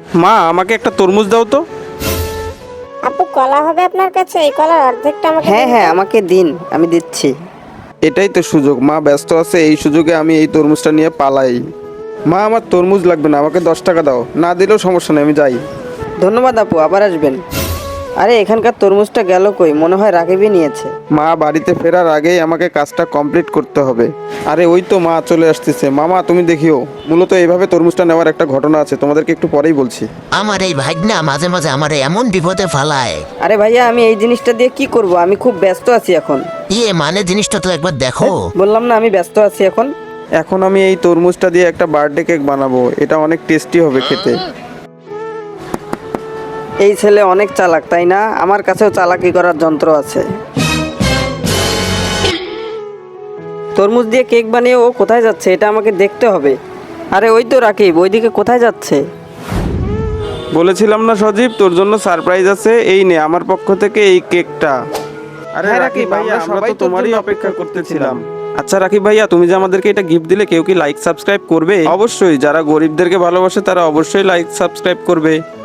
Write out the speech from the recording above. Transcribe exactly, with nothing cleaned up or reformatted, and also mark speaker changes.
Speaker 1: মা আমাকে একটা তরমুজ দাও তো।
Speaker 2: আপু কলা হবে আপনার কাছে? এই কলার অর্ধেকটা আমাকে
Speaker 3: হ্যাঁ
Speaker 2: দিন
Speaker 3: হ্যাঁ
Speaker 2: তো।
Speaker 3: আমাকে দিন, আমি দিচ্ছি।
Speaker 1: এটাই তো সুযোগ, মা ব্যস্ত আছে, এই সুযোগে আমি এই তরমুজটা নিয়ে পালাই। মা আমার তরমুজ লাগবে না, আমাকে দশ টাকা দাও, না দিলেও সমস্যা নেই, আমি যাই।
Speaker 3: ধন্যবাদ আপু, আবার আসবেন। আরে এখানকার তরমুজটা গেল কই? মনে হয় রাকিবই নিয়েছে।
Speaker 1: মা বাড়িতে ফেরার আগেই আমাকে কাজটা কমপ্লিট করতে হবে। আরে ওই তো মা চলে আসতেছে। মামা তুমি দেখিও, মূলত এইভাবে তরমুজটা নেওয়ার একটা ঘটনা আছে, তোমাদেরকে একটু পরেই বলছি।
Speaker 4: আমার এই ভাগনা মাঝে মাঝে আমার এমন বিপদে ফালায়।
Speaker 3: আরে ভাইয়া, আমি এই জিনিসটা দিয়ে কি করব? আমি খুব ব্যস্ত আছি এখন।
Speaker 4: ইয়ে মানে জিনিসটা তো একবার দেখো।
Speaker 3: বললাম না আমি ব্যস্ত আছি এখন।
Speaker 1: এখন আমি এই তরমুজটা দিয়ে একটা বার্থডে কেক বানাবো, এটা অনেক টেস্টি হবে খেতে।
Speaker 3: এই ছেলে অনেক চালাক, তাই না? আমার কাছেও চালাকি করার যন্ত্র আছে। তরমুজ দিয়ে কেক বানিয়ে ও কোথায় যাচ্ছে? এটা আমাকে দেখতে হবে। আরে ওই তো রাকিব, ওইদিকে কোথায় যাচ্ছে?
Speaker 1: বলেছিলাম না সজীব, তোর জন্য সারপ্রাইজ আছে, এই নে আমার পক্ষ থেকে এই কেকটা। আরে
Speaker 3: হ্যাঁ,
Speaker 1: রাকিব
Speaker 3: রাকিব
Speaker 1: ভাইয়া,
Speaker 3: আমরা
Speaker 1: আমরা
Speaker 3: সবাই
Speaker 1: তো
Speaker 3: তোর
Speaker 1: তোমারই
Speaker 3: জন্য
Speaker 1: অপেক্ষা
Speaker 3: অপেক্ষা
Speaker 1: করতেছিলাম। আচ্ছা রাকিব ভাইয়া, তুমি যে আমাদেরকে এটা গিফট দিলে, কেউ কি লাইক সাবস্ক্রাইব করবে? অবশ্যই, যারা গরিবদেরকে ভালোবাসে তারা অবশ্যই লাইক সাবস্ক্রাইব করবে।